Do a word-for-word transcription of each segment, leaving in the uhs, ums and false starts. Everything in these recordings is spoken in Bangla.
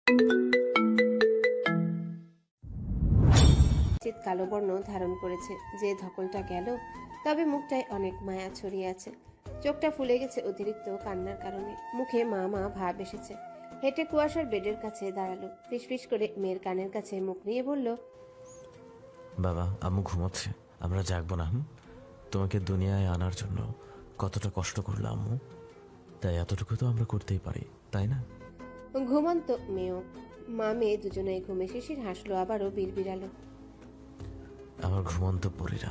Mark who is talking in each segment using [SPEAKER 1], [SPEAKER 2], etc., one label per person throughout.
[SPEAKER 1] চিত কালো বর্ণ ধারণ করেছে, যে ধকলটা গেল, তবে মুখটায় অনেক মায়া ছড়িয়ে আছে। চোখটা ফুলে গেছে অতিরিক্ত কান্নার কারণে, মুখে মা মা ভাব এসেছে। হেঁটে কুয়াশার বেডের কাছে দাঁড়ালো, ফিসফিস করে মেয়ের কানের কাছে মুখ নিয়ে বলল,
[SPEAKER 2] বাবা, আম্মু ঘুমাচ্ছে, আমরা জাগবো না। হুম তোমাকে দুনিয়ায় আনার জন্য কতটা কষ্ট করলো আম্মু, তাই এতটুকু তো আমরা করতেই পারি, তাই না?
[SPEAKER 1] ঘুমন্ত মেয়েও। মা মেয়ে দুজনেই ঘুমে শিশির হাসলো, আবারও বিড়বিড়ালো।
[SPEAKER 2] আমার ঘুমন্ত পরীরা।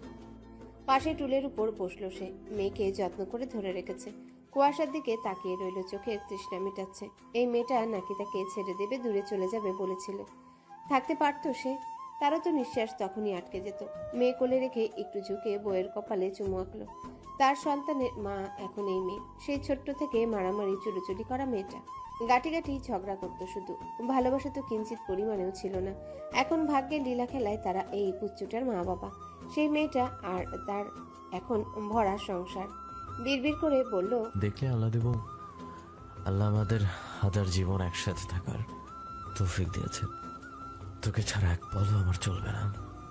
[SPEAKER 1] পাশে টুলের উপর বসলো সে, মেয়েকে যত্ন করে ধরে রেখেছে। কুয়াশার দিকে তাকিয়ে রইল, চোখের তৃষ্ণা মেটাচ্ছে। এই মেয়েটা নাকি তাকে ছেড়ে দেবে, দূরে চলে যাবে বলেছিল। থাকতে পারতো সে? তারও তো নিঃশ্বাস তখনই আটকে যেত। মেয়ে কোলে রেখে একটু ঝুঁকে বইয়ের কপালে চুমু আঁকলো। তার সন্তানের মা এখন এই মেয়ে, সেই ছোট্ট থেকে মারামারি চুরোচুরি করা মেয়েটা। গাটি গাটি ঝগড়া করতো শুধু, ভালোবাসা তো কিঞ্চিত পরিমাণেও ছিল না। এখন ভাগ্যের লীলা খেলায় তারা এই পুচ্চুটার মা বাবা। সেই মেয়েটা আর তার এখন ভরা সংসার। বিড়বিড় করে বলল,
[SPEAKER 2] দেখলে আল্লাহ দেব, আল্লাহ আমাদের হাজার জীবন একসাথে থাকার তৌফিক দিয়েছে। তোকে ছাড়া এক পলও আমার চলবে না।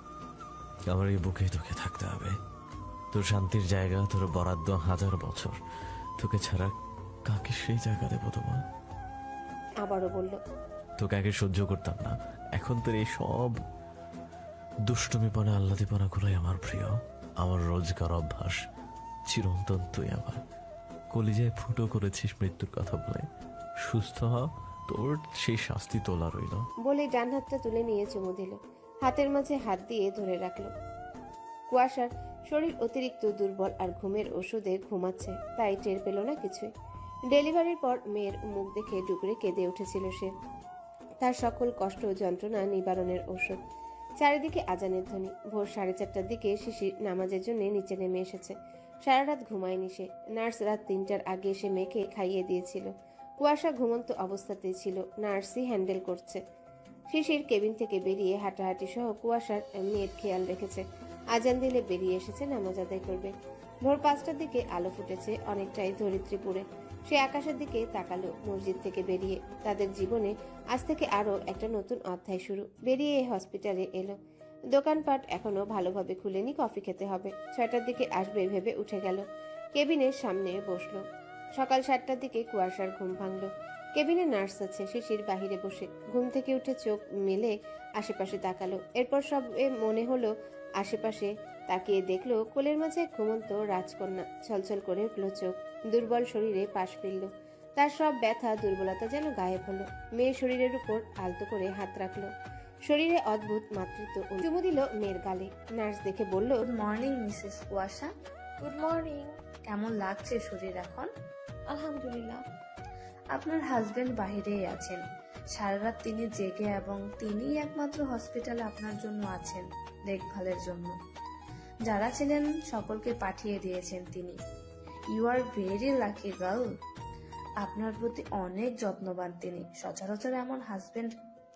[SPEAKER 2] আমার এই বুকে তোকে থাকতে হবে। তোর শান্তির জায়গা, তোর বরাদ্দ হাজার বছর। তোকে ছাড়া কাকে সেই জায়গা দেবো তোমার?
[SPEAKER 1] আবারও বলল,
[SPEAKER 2] তোকে আগে সহ্য করতাম না, এখন তোর এই সব দুষ্টুমিপনা আহ্লাদিপনা গুলোই আমার প্রিয়। আমার রোজগার অভ্যাস চিরন্তন। তুই আমার কলিজায় ফুটো করেছিস মৃত্যুর কথা বলে। সুস্থ হ, তোর সেই শাস্তি তোলা রইল।
[SPEAKER 1] বলে ডান হাতটা তুলে নিয়ে চুমু দিল, হাতের মাঝে হাত দিয়ে ধরে রাখলো। কুয়াশার শরীর অতিরিক্ত দুর্বল আর ঘুমের ওষুধে ঘুমাচ্ছে, তাই টের পেল না কিছুই। ডেলিভারির পর মেয়ের মুখ দেখে ডুকরে কেঁদে উঠেছিল সে। তার সকল কষ্ট ও যন্ত্রণা নিবারণের ঔষধ। চারিদিকে আজানের ধ্বনি। ভোর সাড়ে চারটার দিকে শিশির নামাজের জন্য নিচে নেমে এসেছে। সারা রাত ঘুমায়নি সে। নার্স রাত তিনটার আগে এসে মেয়েকে খাইয়ে দিয়েছিল। কুয়াশা ঘুমন্ত অবস্থাতেই ছিল, নার্সই হ্যান্ডেল করছে। শিশির কেবিন থেকে বেরিয়ে হাঁটাহাঁটি সহ কুয়াশার মেয়ের খেয়াল রেখেছে। আজান দিলে বেরিয়ে এসেছে নামাজ আদায় করবে। ভোর পাঁচটার দিকে আলো ফুটেছে অনেকটাই ধরিত্রীপুরে। সে আকাশের দিকে তাকালো মসজিদ থেকে বেরিয়ে। তাদের জীবনে আজ থেকে আরো একটা নতুন অধ্যায় শুরু। বেরিয়ে হসপিটালে এলো। দোকানপাট এখনো ভালোভাবে খুলেনি, কফি খেতে হবে। ছয়টার দিকে আসবে ভেবে উঠে গেল, কেবিনের সামনে বসলো। সকাল সাতটার দিকে কুয়াশার ঘুম ভাঙলো। কেবিনে নার্স আছে, শিশির বাহিরে বসে। ঘুম থেকে উঠে চোখ মেলে আশেপাশে তাকালো। এরপর সব মনে হলো আশেপাশে তাকিয়ে দেখলো কোলের মাঝে ঘুমন্ত রাজকন্যা। ছলছল করে উঠলো চোখ, দুর্বল শরীরে পাশ ফিরল। তার সব ব্যথা দুর্বলতা যেন গায়েব হলো। মেয়ের শরীরের উপর আলতো করে হাত রাখলো। শরীরে অদ্ভুত মাতৃত্ব চুমু দিল মেয়ের গালে। নার্স দেখে বলল,
[SPEAKER 3] good morning missus Kuasha.
[SPEAKER 4] Good morning.
[SPEAKER 3] কেমন লাগছে শরীর এখন?
[SPEAKER 4] আলহামদুলিল্লাহ।
[SPEAKER 3] আপনার হাজবেন্ড বাহিরেই আছেন। সারা রাত তিনি জেগে এবং তিনিই একমাত্র হসপিটালে আপনার জন্য আছেন দেখভালের জন্য। যারা ছিলেন সকলকে পাঠিয়ে দিয়েছেন তিনি। You are very lucky girl. আপনার প্রতি অনেক যত্নবান তিনি। সচরাচর এমন হাজবেন্ড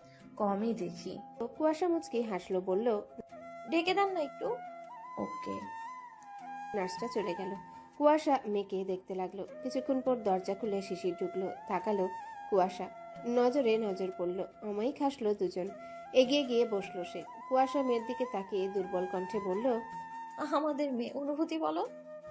[SPEAKER 3] কমই দেখি।
[SPEAKER 1] কুয়াশা মুচকি হাসলো, বলল,
[SPEAKER 4] ডেকে দেন না একটু।
[SPEAKER 3] ওকে।
[SPEAKER 1] নার্সটা চলে গেল। কুয়াশা মেয়েকে দেখতে লাগলো। কিছুক্ষণ পর দরজা খুলে শিশির ঢুকলো। তাকালো কুয়াশা, নজরে নজর পড়লো। অমায়িক হাসলো দুজন। এগিয়ে গিয়ে বসলো সে। কুয়াশা মেয়ের দিকে তাকিয়ে দুর্বল কণ্ঠে বলল,
[SPEAKER 4] আমাদের মেয়ে, অনুভূতি বলো।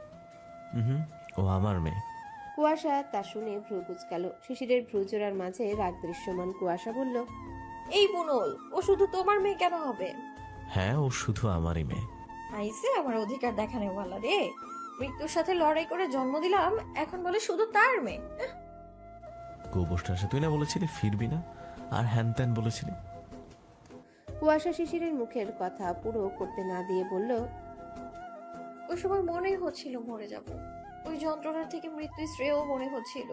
[SPEAKER 2] হুম ও আমার মেয়ে।
[SPEAKER 1] কুয়াশা তা শুনে ভ্রু কুচকালো। শিশিরের ভ্রু জোড়ার মাঝে রাগ দৃশ্যমান। কুয়াশা বলল,
[SPEAKER 4] এই বুনল, ও শুধু তোমার মেয়ে কেন হবে?
[SPEAKER 2] হ্যাঁ, ও শুধু আমারই মেয়ে।
[SPEAKER 4] আইসে আমার অধিকার দেখানে বলা রে। মৃত্যুর সাথে লড়াই করে জন্ম দিলাম, এখন বলে শুধু তার মেয়ে।
[SPEAKER 2] গোবরটা আসে, তুই না বলেছিলি ফিরবি না, আর হ্যান ত্যান বলেছিলি।
[SPEAKER 1] কুয়াশা শিশিরের মুখের কথা পুরো করতে না দিয়ে বলল,
[SPEAKER 4] ওই সময় মনেই হচ্ছিল মরে যাব। ওই যন্ত্রণার থেকে মৃত্যু শ্রেয় মনে হচ্ছিল।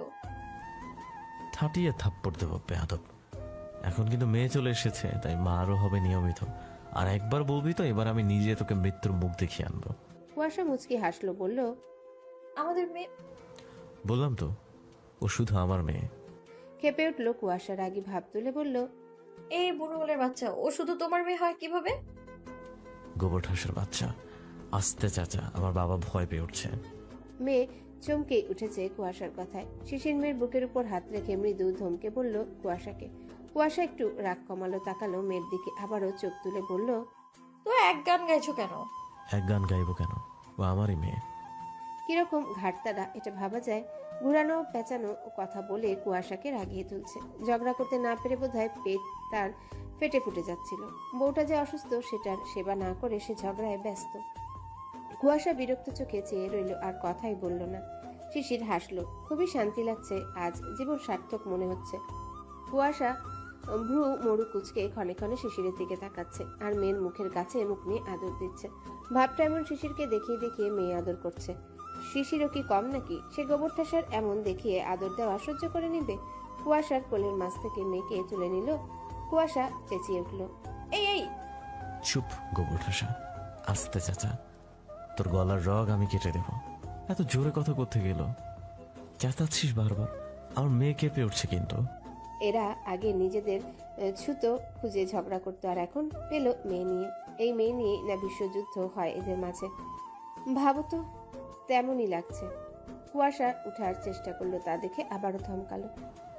[SPEAKER 2] থাটিয়ে থাপ্পড় দেবো বেয়াদব। এখন কিন্তু মেয়ে চলে এসেছে, তাই মা আরও হবে নিয়মিত। আর একবার বলবি তো, এবার আমি নিজে তোকে মৃত্যুর মুখ দেখিয়ে আনবো।
[SPEAKER 1] কুয়াশা মুচকি হাসলো, বলল,
[SPEAKER 4] আমাদের মেয়ে।
[SPEAKER 2] বললাম তো, ও শুধু আমার মেয়ে।
[SPEAKER 1] খেপে উঠলো কুয়াশা, রাগী ভাব তুলে বলল,
[SPEAKER 4] এই বুনলের বাচ্চা, ও শুধু তোমার মেয়ে হয় কিভাবে?
[SPEAKER 2] গোবর ঠাসের বাচ্চা। আস্তে চাচা, আমার বাবা ভয় পেয়ে উঠছে।
[SPEAKER 1] মেয়ে চমকে উঠেছে কুয়াশার কথায়। শিশির মেয়ের বুকের উপর হাত রেখে মৃদু ধমকে বলল কুয়াশাকে। কুয়াশা একটু রাগ কমালো, তাকালো মেয়ের দিকে, আবারও চোখ তুলে বলল,
[SPEAKER 4] তো এক গান গাইছো কেন?
[SPEAKER 2] এক গান গাইবো কেন? ও আমারই মেয়ে।
[SPEAKER 1] কিরকম ঘাটতারা এটা ভাবা যায়। ঘুরানো পেঁচানো কথা বলে কুয়াশাকে রাগিয়ে তুলছে। ঝগড়া করতে না পেরে বোধহয় পেট তার ফেটে ফুটে যাচ্ছিল। বউটা যে অসুস্থ সেটার সেবা না করে সে ঝগড়ায় ব্যস্ত। কুয়াশা বিরক্ত চোখে চেয়ে রইল, আর কথাই বলল না। শিশির হাসলো, খুবই শান্তি লাগছে, আজ জীবন সার্থক মনে হচ্ছে। কুয়াশা ভ্রু মরু কুচকে ক্ষণে ক্ষণে শিশিরের দিকে তাকাচ্ছে, আর মেয়ের মুখের কাছে মুখ নিয়ে আদর দিচ্ছে। ভাবটা এমন শিশিরকে দেখিয়ে দেখিয়ে মেয়ে আদর করছে। শিশিরও কি কম নাকি? সে গোবর ঠাসার এমন দেখিয়ে আদর দেওয়া সহ্য করে নিবে? কুয়াশার কোলের মাছ থেকে মেয়েকে তুলে নিল। কুয়াশা চেঁচিয়ে উঠল,
[SPEAKER 4] এই এই
[SPEAKER 2] চুপ গোবর ঠাসা, আস্তে চাচা, তোর গলার রগ আমি কেটে দেব। এত জোরে কথা করতে গেল, চেঁচাচ্ছিস বারবার, আমার মেয়ে কেঁপে উঠছে কিন্তু।
[SPEAKER 1] এরা আগে নিজেদের আহ, ছুতো খুঁজে ঝগড়া করতো, আর এখন পেল মেয়ে নিয়ে। এই মেয়ে নিয়ে না বিশ্বযুদ্ধ হয় এদের মাঝে। ভাবো তো, তেমনই লাগছে। কুয়াশা উঠার চেষ্টা করলো, তা দেখে আবারও থমকালো।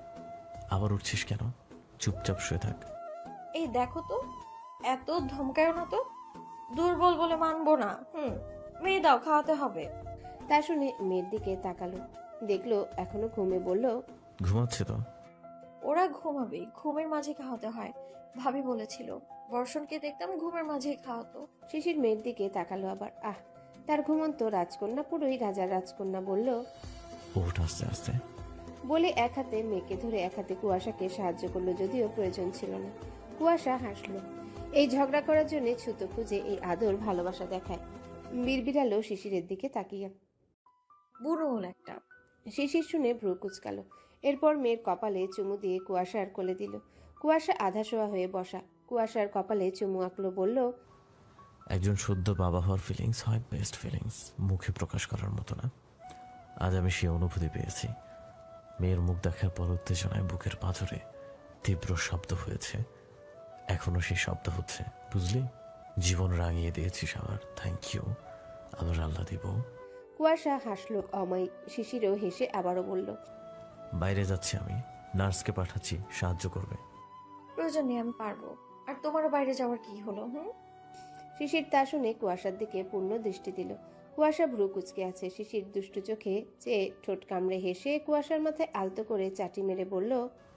[SPEAKER 2] আবার উঠছিস কেন? চুপচাপ শুয়ে থাক।
[SPEAKER 4] এই দেখো তো, এত ধমকায়ও না তো। দুর্বল বলে মানবো না। হুম, মেয়ে দাও, খাওয়াতে হবে।
[SPEAKER 1] তা শুনে মেয়ের দিকে তাকালো, দেখলো এখনো ঘুমে। বলল,
[SPEAKER 2] ঘুমাচ্ছে তো।
[SPEAKER 4] ওরা ঘুমাবে, ঘুমের মাঝে খাওয়াতে হয়। ভাবি বলেছিল, বর্ষণকে দেখতাম ঘুমের মাঝে খাওয়াতো।
[SPEAKER 1] শিশির মেয়ের দিকে তাকালো আবার। আহ, তার ঘুমন্ত রাজকন্যা, পুরোই রাজার রাজকন্যা। বলল,
[SPEAKER 2] ওঠ আস্তে আস্তে।
[SPEAKER 1] বলে এক হাতে মেয়েকে ধরে এক হাতে কুয়াশাকে সাহায্য করলো, যদিও প্রয়োজন ছিল না। কুয়াশা হাসলো। এই ঝগড়া করার জন্য ছুতো খুঁজে এই আদর ভালোবাসা দেখায়। বিড়বিড়ালো শিশিরের দিকে তাকিয়ে।
[SPEAKER 4] বুড়ো হল একটা।
[SPEAKER 1] শিশির শুনে ভ্রু কুচকালো। এরপর মেয়ের কপালে চুমু দিয়ে কুয়াশার কোলে দিল। কুয়াশা আধা শোয়া হয়ে বসা, কুয়াশার কপালে চুমু আঁকলো। বলল,
[SPEAKER 2] একজন শুদ্ধ বাবা হওয়ার ফিলিংস হয় বেস্ট ফিলিংস, মুখে প্রকাশ করার মতো না। আজ আমি সে অনুভূতি পেয়েছি। মেয়ের মুখ দেখার পর উত্তেজনায় বুকের পাঁজরে তীব্র শব্দ হয়েছে, এখনো সেই শব্দ হচ্ছে, বুঝলি? জীবন রাঙিয়ে দিয়েছিস আমার, থ্যাংক ইউ। আবার আল্লাহ দিব।
[SPEAKER 1] কুয়াশা হাসলো অমায়িক। শিশিরও হেসে আবারও বলল,
[SPEAKER 2] বাইরে যাচ্ছি আমি, নার্সকে পাঠাচ্ছি, সাহায্য করবে।
[SPEAKER 4] প্রয়োজন নেই, আমি পারবো। আর তোমারও বাইরে যাওয়ার কি হলো? হুম।
[SPEAKER 1] শিশির তা শুনে কুয়াশার দিকে পূর্ণ দৃষ্টি দিল। কুয়াশা ভ্রু কুচকে আছে। শিশির দুষ্টু চোখে চেয়ে ঠোঁট কামড়ে হেসে কুয়াশার মাথায় আলতো করে চাটি মেরে বলল,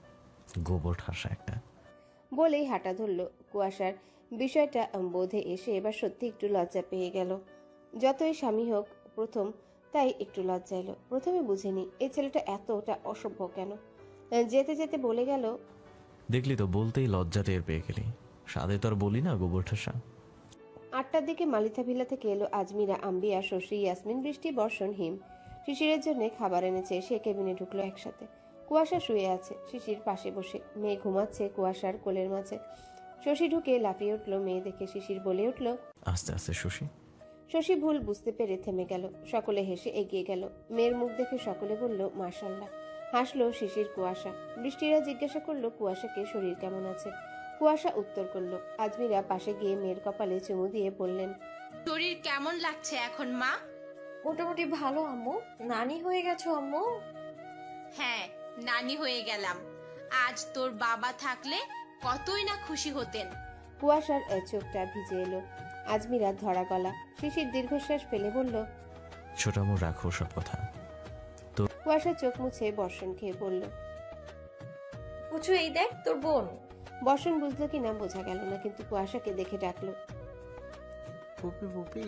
[SPEAKER 2] গোবর ঠাসা একটা।
[SPEAKER 1] বলেই হাঁটা ধরল। কুয়াশার বিষয়টা বোধে এসে এবার সত্যি একটু লজ্জা পেয়ে গেল। যতই স্বামী হোক প্রথম, তাই একটু লজ্জা এলো। প্রথমে বুঝেনি এই ছেলেটা এতটা অসভ্য কেন। যেতে যেতে বলে গেল,
[SPEAKER 2] দেখলি তো, বলতেই লজ্জা টের পেয়ে গেলি। সাদে তো আর বলি না গোবর ঠাসা।
[SPEAKER 1] আটটার দিকে মালিথা ভিলা থেকে এলো আজমিরা, আম্বিয়া, শশী, ইয়াসমিন, বৃষ্টি, বর্ষণ, হিম। শিশিরের জন্য খাবার এনেছে। সে কেবিনে ঢুকলো একসাথে। কুয়াশা শুয়ে আছে শিশির পাশে বসে। মেয়ে ঘুমাচ্ছে কুয়াশার কোলের মাঝে। শশী ঢুকে লাফিয়ে উঠলো মেয়ে দেখে। শিশির বলে উঠল,
[SPEAKER 2] আস্তে আস্তে শশী।
[SPEAKER 1] শশী ভুল বুঝতে পেরে থেমে গেল। সকলে হেসে এগিয়ে গেল। মেয়ের মুখ দেখে সকলে বলল, মাশাল্লাহ। হাসলো শিশির, কুয়াশা। বৃষ্টিরা জিজ্ঞাসা করলো কুয়াশাকে শরীর কেমন আছে। কুয়াশা উত্তর করলো। আজমিরা পাশে গিয়ে মেয়ের কপালে চুমু দিয়ে বললেন,
[SPEAKER 5] শরীর কেমন লাগছে এখন মা?
[SPEAKER 4] মোটামুটি ভালো আম্মু। নানি হয়ে গেছো আম্মু।
[SPEAKER 5] হ্যাঁ, নানি হয়ে গেলাম। আজ তোর বাবা থাকলে কতই না খুশি হতেন।
[SPEAKER 1] কুয়াশার এ চোখটা ভিজে এলো। আজমিরা ধরা গলা। শিশির দীর্ঘশ্বাস ফেলে বলল,
[SPEAKER 2] ছোটামো রাখো সব কথা।
[SPEAKER 1] কুয়াশা চোখ মুছে বর্ষণ খেয়ে বলল।
[SPEAKER 4] পুচু, এই দেখ তোর বোন।
[SPEAKER 1] বর্ষণ বুঝলো কিনা বোঝা গেল না, কিন্তু কুয়াশাকে দেখে ডাকলো,
[SPEAKER 6] পুপি পুপি।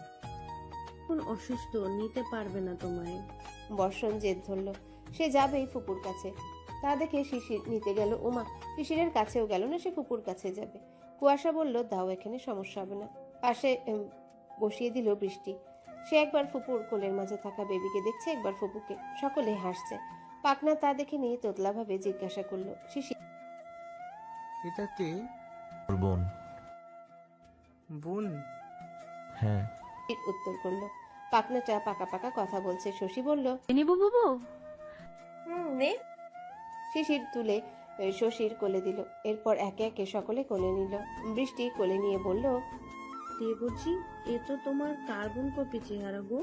[SPEAKER 7] এখন অসুস্থ, নিতে পারবে না তোমায়।
[SPEAKER 1] বর্ষণ জেদ ধরলো। সে যাবেই ফুপুর কাছে। তা দেখে শিশির নিতে গেল। ওমা, শিশিরের কাছেও গেল না, সে ফুপুর কাছে যাবে। কুয়াশা বলল, দাও, এখানে সমস্যা হবে না। পাশে উম, বসিয়ে দিল বৃষ্টি। সে একবার ফুপুর কোলের মাঝে থাকা বেবিকে দেখছে, একবার ফুপুকে। সকলে হাসছে। পাকনা তা দেখে নিয়ে তোতলা ভাবে জিজ্ঞাসা করলো, শিশির
[SPEAKER 6] এটা কে?
[SPEAKER 2] ওর বোন।
[SPEAKER 6] বোন?
[SPEAKER 2] হ্যাঁ।
[SPEAKER 1] উত্তর করলো। পাকনাটা পাকা পাকা কথা বলছে। শশী বলল,
[SPEAKER 7] নিবু বুবু।
[SPEAKER 4] হুম, নে।
[SPEAKER 1] শিশির তুলে আহ, শশীর কোলে দিল। এরপর একে একে সকলে কোলে নিল। বৃষ্টি কোলে নিয়ে বলল,
[SPEAKER 7] কে বুঝি? এ তো তোমার কার্বন কপি চেহারা গো।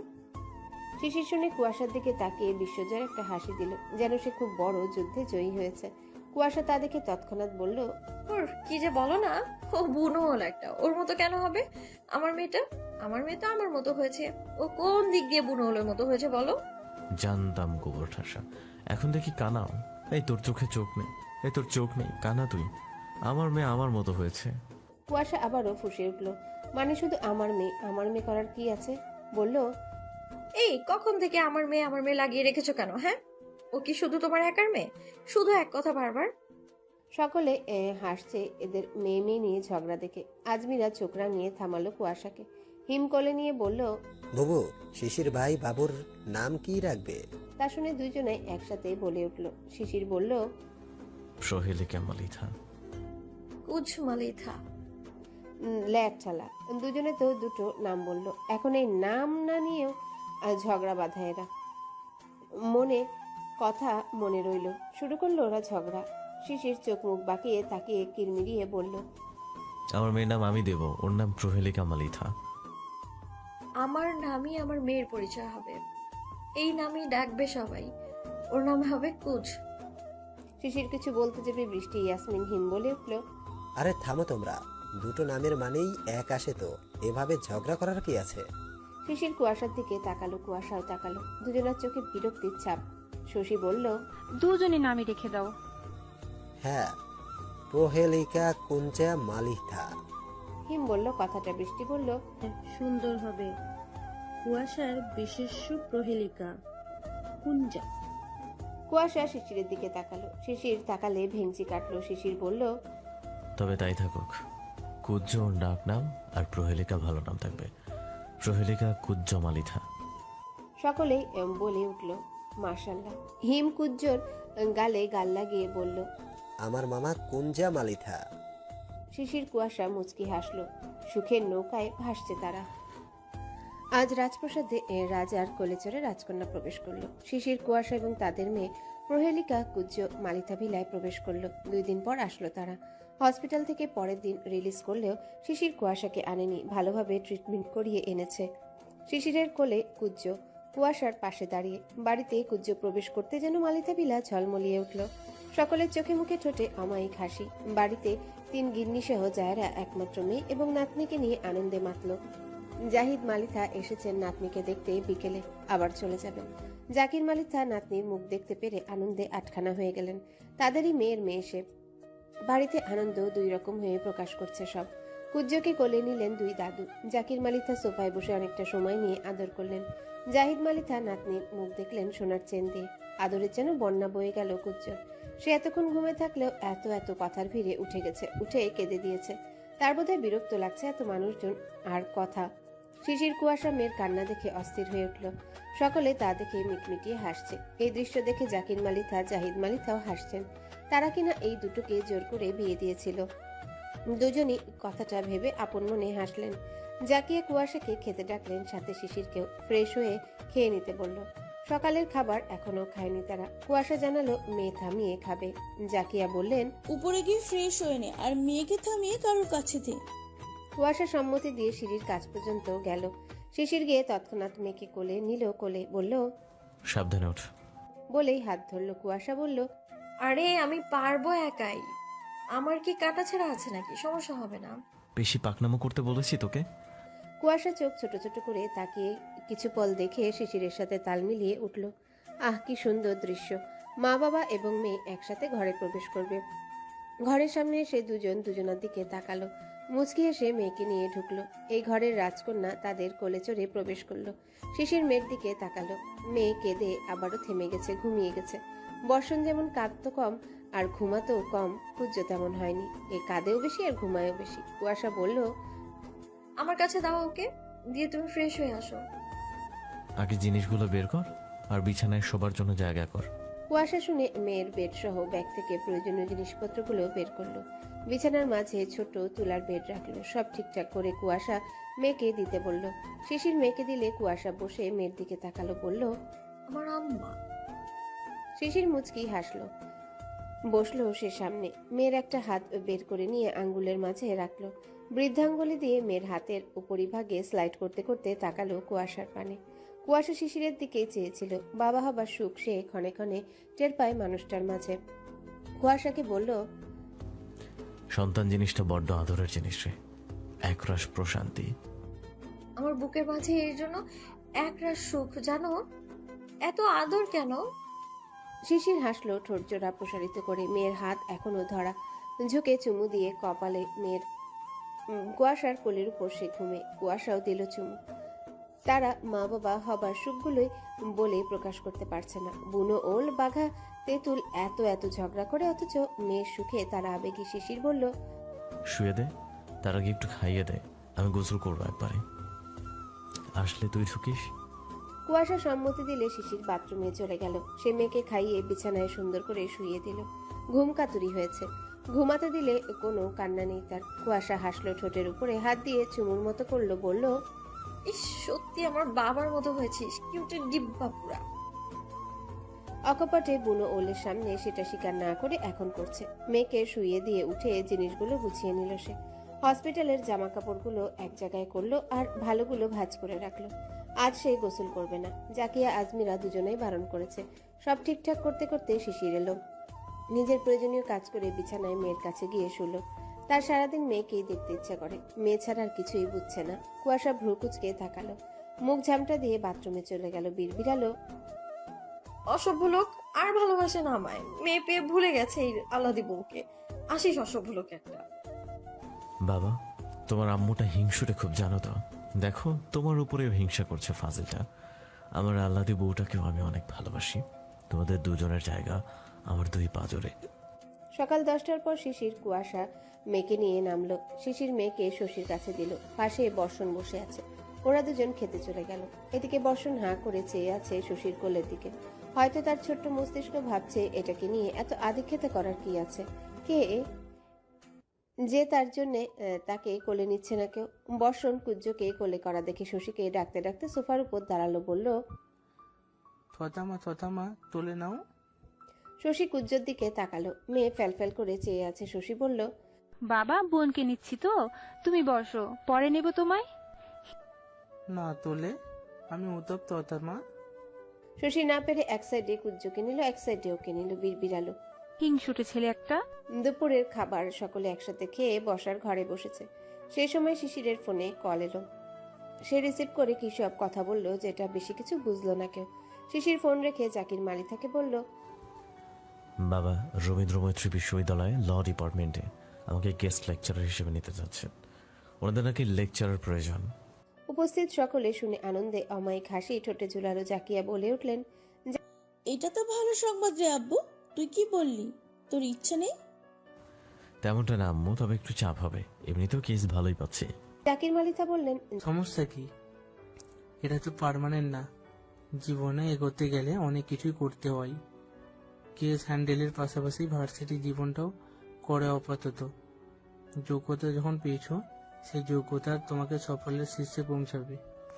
[SPEAKER 1] শিশির শুনে কুয়াশার দিকে তাকিয়ে বিশ্বজয়ের একটা হাসি দিল, যেন সে খুব বড় যুদ্ধে জয়ী হয়েছে। কুয়াশা তা দেখে তৎক্ষণাৎ বলল,
[SPEAKER 4] ওর কি যে বলো না, ও বুনো হলো একটা। ওর মতো কেন হবে আমার মেয়েটা? আমার মেয়ে তো আমার মতো হয়েছে। ও কোন দিক দিয়ে বুনো হলোর মতো হয়েছে বলো?
[SPEAKER 2] জানতাম গোবর ঠাসা। এখন দেখি কানাও। এই তোর চোখে চোখ নেই, এই তোর চোখ নেই, কানা তুই। আমার মেয়ে আমার মতো হয়েছে।
[SPEAKER 1] কুয়াশা আবারও ফুঁসে উঠল। মানে শুধু আমার মেয়ে, আমার মেয়ে করার কি আছে? বলল,
[SPEAKER 4] এই কখন থেকে আমার মেয়ে আমার মেয়ে লাগিয়ে রেখেছো কেন? হ্যাঁ, ও কি শুধু তোমার একার মেয়ে? শুধু এক কথা বারবার।
[SPEAKER 1] সকলে এ, হাসছে এদের মেয়ে মেয়ে নিয়ে ঝগড়া দেখে। আজমিরা চোখ রাঙিয়ে থামালো কুয়াশাকে। হিম কোলে নিয়ে বলল,
[SPEAKER 8] বুবু, শিশির ভাই বাবুর নাম কি রাখবে?
[SPEAKER 1] তা শুনে দুইজনে একসাথে বলে উঠল। শিশির বলল,
[SPEAKER 2] সহেলিকা মালিথা।
[SPEAKER 4] কুছ মালিথা।
[SPEAKER 1] ল্যাট ছালা। দুজনে তো দুটো নাম বলল। এখন এই নাম না নিয়েও আহ, ঝগড়া বাঁধা এরা। মনে কথা মনে রইল। শুরু করলো ওরা ঝগড়া। শিশির চোখ মুখ বাঁকিয়ে তাকিয়ে কিরমিরিয়ে বলল,
[SPEAKER 2] আমার মেয়ের নাম আমি দেব, ওর নাম প্রহেলিকা মালিথা।
[SPEAKER 4] আমার নামই আমার মেয়ের পরিচয় হবে। এই নামই ডাকবে সবাই। ওর নাম হবে কুছ।
[SPEAKER 1] শিশির কিছু বলতে যাবে বৃষ্টি ইয়াসমিন হিম বলে উঠল,
[SPEAKER 8] আরে থামো তোমরা, দুটো নামের মানেই এক আসে তো, এভাবে ঝগড়া করার কি আছে?
[SPEAKER 1] শিশির কুয়াশার দিকে তাকালো, কুয়াশাও তাকালো। দুজনের চোখে বিরক্তির ছাপ। শশী বলল,
[SPEAKER 7] দুজনে নামই রেখে দাও।
[SPEAKER 8] হ্যাঁ, প্রহেলিকা কুঞ্চা মালিথা।
[SPEAKER 1] হিম বলল কথাটা। বৃষ্টি বলল,
[SPEAKER 7] সুন্দর হবে। কুয়াশার বিশেষ্য প্রহেলিকা কুঞ্জা।
[SPEAKER 1] কুয়াশা শিশিরের দিকে তাকালো। শিশির তাকালে ভেঙচি কাটলো। শিশির বলল,
[SPEAKER 2] তবে তাই থাকুক। কুজ্জ ওর ডাক নাম, আর প্রহেলিকা ভালো নাম থাকবে। প্রহেলিকা কুজ্জ মালিথা।
[SPEAKER 1] সকলেই এম বলে উঠল, মাশাল্লাহ। হিম কুজ্জোর গালে গাল লাগিয়ে বলল,
[SPEAKER 8] আমার মামা কুঞ্জা মালিথা।
[SPEAKER 1] শিশির কুয়াশা মুচকি হাসলো। সুখের নৌকায় ভাসছে তারা। আজ রাজপ্রাসাদে এ রাজার কোলে চড়ে রাজকন্যা প্রবেশ করলো। শিশির কুয়াশা এবং তাদের মেয়ে প্রহেলিকা কুজ্জ মালিথা ভিলায় প্রবেশ করলো। দুই দিন পর আসলো তারা। হসপিটাল থেকে পরের দিন রিলিজ করলেও শিশির কুয়াশাকে আনেনি, ভালোভাবে ট্রিটমেন্ট করিয়ে এনেছে। শিশিরের কোলে কুজ্জ, কুয়াশার পাশে দাঁড়িয়ে। বাড়িতে কুজ্জ প্রবেশ করতে যেন মালিথা ভিলা ঝলমলিয়ে উঠল। সকলের চোখে মুখে ঠোঁটে অমায়িক হাসি। বাড়িতে তিন গিন্নি সহ জায়রা একমাত্র মেয়ে এবং নাতনিকে নিয়ে আনন্দে মাতল। জাহিদ মালিথা এসেছেন নাতনিকে দেখতে, বিকেলে আবার চলে যাবেন। জাকির মালিথা নাতনির মুখ দেখতে পেরে আনন্দে আটখানা হয়ে গেলেন। তাদেরই মেয়ের মেয়ে সে। বাড়িতে আনন্দ দুই রকম হয়ে প্রকাশ করছে সব। কুজ্জকে কোলে নিলেন দুই দাদু। জাকির মালিথা সোফায় বসে অনেকটা সময় নিয়ে আদর করলেন। জাহিদ মালিথা নাতনির মুখ দেখলেন সোনার চেন দিয়ে। আদরের যেন বন্যা বয়ে গেল কুজ্জর। সে এতক্ষণ ঘুমে থাকলেও এত এত কথার ভিড়ে উঠে গেছে, উঠে কেঁদে দিয়েছে। তার বোধহয় বিরক্ত লাগছে এত মানুষজন আর কথা। শিশির কুয়াশা মেয়ের কান্না দেখে অস্থির হয়ে উঠল। সকলে তা দেখে মিটমিটিয়ে হাসছে। এই দৃশ্য দেখে জাকির মালিথা, জাহিদ মালিথাও হাসছেন। তারা কিনা এই দুটোকে জোর করে বিয়ে দিয়েছিল। দুজনই কথাটা ভেবে আপন মনে হাসলেন। জাকিয়ে কুয়াশাকে খেতে ডাকলেন, সাথে শিশিরকেও। ফ্রেশ হয়ে খেয়ে নিতে বলল। সকালের খাবার এখনো খায়নি তারা। কুয়াশা জানালো মেয়ে থামিয়ে খাবে। জাকিয়া বললেন,
[SPEAKER 9] উপরে গিয়ে ফ্রেশ হয়ে নে আর মেয়েকে থামিয়ে কারোর কাছে দে।
[SPEAKER 1] কুয়াশা সম্মতি দিয়ে সিঁড়ির কাছ পর্যন্ত গেল। শিশির গিয়ে তৎক্ষণাৎ মেয়েকে কোলে নিল। কোলে বলল,
[SPEAKER 2] সাবধানে ওঠ।
[SPEAKER 1] বলেই হাত ধরলো। কুয়াশা বলল,
[SPEAKER 4] আরে আমি পারবো একাই। আমার কি কাটা ছেঁড়া আছে নাকি? সমস্যা হবে না।
[SPEAKER 2] বেশি পাকনামো করতে বলেছি তোকে?
[SPEAKER 1] কুয়াশা চোখ ছোট ছোট করে তাকিয়ে কিছু পল দেখে শিশিরের সাথে তাল মিলিয়ে উঠল। আহ, কি সুন্দর দৃশ্য! মা বাবা এবং মেয়ে একসাথে ঘরে প্রবেশ করবে। ঘরের সামনে এসে দুজন দুজনের দিকে তাকালো। মুচকি এসে মেয়েকে নিয়ে ঢুকলো। এই ঘরের রাজকন্যা তাদের কোলে চড়ে প্রবেশ করলো। শিশির মেয়ের দিকে তাকালো। মেয়ে কেঁদে আবারও থেমে গেছে, ঘুমিয়ে গেছে। বর্ষণ যেমন কাঁদতো কম আর ঘুমাতেও কম, পূজ্য তেমন হয়নি। এ কাঁদেও বেশি আর ঘুমায়ও বেশি। কুয়াশা বলল,
[SPEAKER 4] আমার কাছে দাও ওকে, দিয়ে তুমি ফ্রেশ হয়ে আসো।
[SPEAKER 2] আগে জিনিসগুলো বের কর আর বিছানায় শোবার জন্য জায়গা কর।
[SPEAKER 1] কুয়াশা শুনে মেয়ের বেড সহ ব্যাগ থেকে প্রয়োজনীয় জিনিসপত্রগুলো বের করলো। বিছানার মাঝে ছোট তুলার বেড রাখলো। সব ঠিকঠাক করে কুয়াশা মেয়েকে দিতে বলল। শিশির মেয়েকে দিলে কুয়াশা বসে মেয়ের দিকে তাকালো, বলল,
[SPEAKER 4] আমার আম্মা।
[SPEAKER 1] শিশির মুচকি হাসলো। বসলো সে সামনে। মেয়ের একটা হাত বের করে নিয়ে আঙ্গুলের মাঝে রাখলো। বৃদ্ধাঙ্গুলি দিয়ে মেয়ের হাতের উপরিভাগে স্লাইড করতে করতে তাকালো কুয়াশার পানে। কুয়াশা শিশিরের দিকে চেয়েছিল। বাবা হবার সুখ সে ক্ষণে ক্ষণে টের পায় মানুষটার মাঝে। কুয়াশাকে বলল,
[SPEAKER 2] সন্তান জিনিসটা বড্ড আদরের জিনিস রে, একরাশ প্রশান্তি।
[SPEAKER 4] আমার বুকের মাঝে এর জন্য একরাশ সুখ, জানো? এত আদর কেন?
[SPEAKER 1] শিশির হাসলো ঠোঁট জোড়া প্রসারিত করে। মেয়ের হাত এখনো ধরা, ঝুঁকে চুমু দিয়ে কপালে মেয়ের। উম, কুয়াশার কোলের উপর সে ঘুমে। কুয়াশাও দিল চুমু। তারা মা বাবা হবার সুখগুলোই বলে প্রকাশ করতে পারছে না। বুনো ওল বাঘা তেঁতুল এত এত ঝগড়া করে, অথচ মেয়ের সুখে তারা আবেগী। শিশির বলল,
[SPEAKER 2] শুয়ে দে, তার আগে একটু খাইয়ে দে, আমি গোসল করবো একবারে। আসলে তুই ঢুকিস।
[SPEAKER 1] কুয়াশা সম্মতি দিলে শিশির বাথরুমে চলে গেল। সে মেয়েকে খাইয়ে বিছানায় সুন্দর করে শুইয়ে দিল। ঘুম কাতুরি হয়েছে, ঘুমাতে দিলে কোনো কান্না নেই তার। কুয়াশা হাসলো ঠোঁটের উপরে হাত দিয়ে চুমুর মতো করলো, বলল,
[SPEAKER 4] ইস, সত্যি আমার বাবার মতো হয়েছিস, কিউটের ডিব্বা পুরা।
[SPEAKER 1] অকপটে বুনো ওলের সামনে সেটা স্বীকার না করে এখন করছে। মেয়েকে শুইয়ে দিয়ে উঠে জিনিসগুলো গুছিয়ে নিল সে। হসপিটালের জামা কাপড়গুলো এক জায়গায় করলো আর ভালোগুলো ভাঁজ করে রাখলো। আজ সে গোসল করবে না। জাকিয়া আজমিরা দুজনেই বারণ করেছে। সব ঠিকঠাক করতে করতে শিশির এলো। নিজের প্রয়োজনীয় কাজ করে বিছানায় মেয়ের কাছে গিয়ে শুলো। তার সারাদিন মেয়েকেই দেখতে ইচ্ছা করে। মেয়ে ছাড়া আর কিছুই বুঝছে না। কুয়াশা ভ্রু কুচকে তাকালো, মুখ ঝামটা দিয়ে বাথরুমে চলে গেল। বিড়বিড়ালো,
[SPEAKER 4] অসভ্য লোক, আর ভালোবাসে না আমায়। মেয়ে পেয়ে ভুলে গেছে এই আল্লাদি বউকে। আসিস অসভ্য লোক একটা।
[SPEAKER 2] বাবা, তোমার আম্মুটা হিংসুটে খুব, জানো তো? দেখো, তোমার উপরেও হিংসা করছে ফাজিলটা। আমার আল্লাদি বউটাকেও আমি অনেক ভালোবাসি। তোমাদের দুজনের জায়গা আমার দুই পাজরে।
[SPEAKER 1] সকাল দশটার পর শিশির কুয়াশা মেয়েকে নিয়ে নামলো। শিশির মেয়েকে শশীর কাছে দিল। পাশে বর্ষণ বসে আছে। ওরা দুজন খেতে চলে গেল। এদিকে বর্ষণ হাঁ করে চেয়ে আছে শশীর কোলের দিকে। হয়তো তার ছোট্ট মস্তিষ্ক ভাবছে, এটাকে নিয়ে এত আদিক্ষেতা করার কি আছে? কে যে তার জন্য তাকে কোলে নিচ্ছে না কেউ? বর্ষণ কুজ্জকে কোলে করা দেখে শশীকে ডাকতে ডাকতে সোফার উপর দাঁড়ালো, বলল,
[SPEAKER 6] থতামা থতামা তুলে নাও।
[SPEAKER 1] শশী কুজ্জোর দিকে তাকালো। মেয়ে ফ্যালফ্যাল করে চেয়ে আছে। শশী বলল,
[SPEAKER 10] বাবা, বোনকে নিচ্ছি তো, তুমি বসো, পরে নেব তোমায়।
[SPEAKER 6] না তোলে, আমি উতপ্ত থতামা।
[SPEAKER 1] শশী না পেরে এক সাইডে কুজ্জোকে নিল, এক সাইডে ওকে নিল। বিড়বিড়ালো,
[SPEAKER 10] হিংসুটে ছেলে একটা।
[SPEAKER 1] দুপুরের খাবার সকলে একসাথে খেয়ে বসার ঘরে বসেছে। সেই সময় শিশিরের ফোনে কল এলো। সে রিসিভ করে কি সব কথা বলল, যেটা বেশি কিছু বুঝলো না কেউ। শিশির ফোন রেখে জাকির মালিথাকে বলল,
[SPEAKER 2] বাবা, রবীন্দ্র মৈত্রী বিশ্ববিদ্যালয়ে ল ডিপার্টমেন্টে আমাকে গেস্ট লেকচারার হিসেবে নিতে যাচ্ছেন। ওনাদের নাকি লেকচারার প্রয়োজন।
[SPEAKER 1] উপস্থিত সকলে শুনে আনন্দে অমায়িক হাসি ঠোঁটে ঝুলালো। জাকিয়া বলে উঠলেন,
[SPEAKER 9] এটা তো ভালো সংবাদ রে আব্বু, তুই কি বললি? তোর ইচ্ছা নেই?
[SPEAKER 2] তেমনটা না আম্মু, তবে একটু চাপ হবে। এমনিতেও কেস ভালোই পাচ্ছি।
[SPEAKER 1] জাকির মালিথা বললেন,
[SPEAKER 6] সমস্যা কি? এটা তো পার্মানেন্ট না। জীবনে এগোতে গেলে অনেক কিছুই করতে হয়। কেস হ্যান্ডেলের পাশাপাশি ভার্সিটি জীবনটাও করে আপাতত। যোগ্যতা যখন পেয়েছো, সেই যোগ্যতা তোমাকে সাফল্যের শীর্ষে পৌঁছাবে।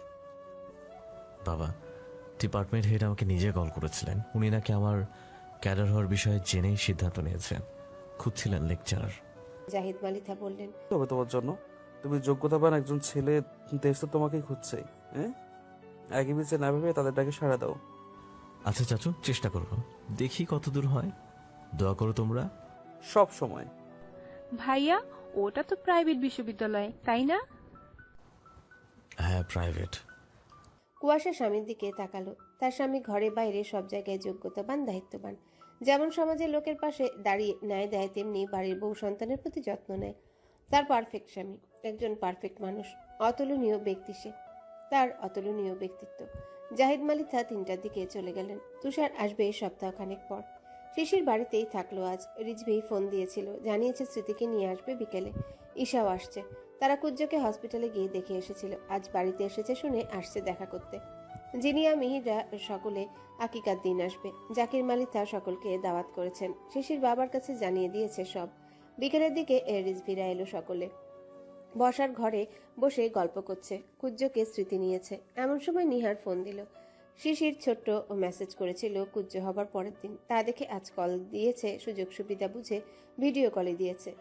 [SPEAKER 2] বাবা, ডিপার্টমেন্ট হেড আমাকে নিজে কল করেছিলেন। উনি নাকি আমার ক্যাডার হওয়ার বিষয়ে জেনেই সিদ্ধান্ত নিয়েছেন। খুঁজছিলেন লেকচারার।
[SPEAKER 1] জাহিদ মালিথা বললেন,
[SPEAKER 11] তবে তোমার জন্য, তুমি যোগ্যতাবান একজন ছেলে, দেশ তো তোমাকেই খুঁজছে। হ্যাঁ, একই বিচে না ভেবে তাদের ডাকে সাড়া দাও।
[SPEAKER 2] আচ্ছা চাচু, চেষ্টা করব, দেখি কত দূর হয়। দোয়া করো তোমরা।
[SPEAKER 11] সব সময়।
[SPEAKER 10] ভাইয়া, ওটা তো প্রাইভেট বিশ্ববিদ্যালয়, তাই না?
[SPEAKER 2] হ্যাঁ, প্রাইভেট।
[SPEAKER 1] কুয়াশা স্বামীর দিকে তাকালো। তার স্বামী ঘরে বাইরে সব জায়গায় যোগ্যতাবান, দায়িত্ববান। যেমন সমাজের লোকের পাশে দাঁড়িয়ে ন্যায় দেয়, তেমনি বাড়ির বউ সন্তানের প্রতি যত্ন নেয়। তার পারফেক্ট স্বামী, একজন পারফেক্ট মানুষ, অতুলনীয় ব্যক্তি সে। তার অতুলনীয় ব্যক্তিত্ব। জাহিদ মালিথা তিনটার দিকে চলে গেলেন। তুষার আসবে সপ্তাহখানেক পর। শিশির বাড়িতেই থাকলো আজ। রিজভি ফোন দিয়েছিল, জানিয়েছে স্মৃতিকে নিয়ে আসবে বিকেলে। ঈশাও আসছে। তারা কুজ্জকে হসপিটালে গিয়ে দেখে এসেছিল। আজ বাড়িতে এসেছে শুনে আসছে দেখা করতে। জিনিয়া মিহিরা সকলে আকিকার দিন আসবে। জাকির মালিথা সকলকে দাওয়াত করেছেন। শিশির বাবার কাছে জানিয়ে দিয়েছে সব। বিকেলের দিকে রিজভিরা এলো সকলে। বসার ঘরে বসে গল্প করছে। কুজ্জকে স্মৃতি নিয়েছে। এমন সময় নিহার ফোন দিল। শিশির ছোট্ট মেসেজ করেছিল কুজ্জ হবার পরের দিন। তা দেখে আজ কল দিয়েছে। সুযোগ সুবিধা বুঝে ভিডিও কলে দিয়েছে।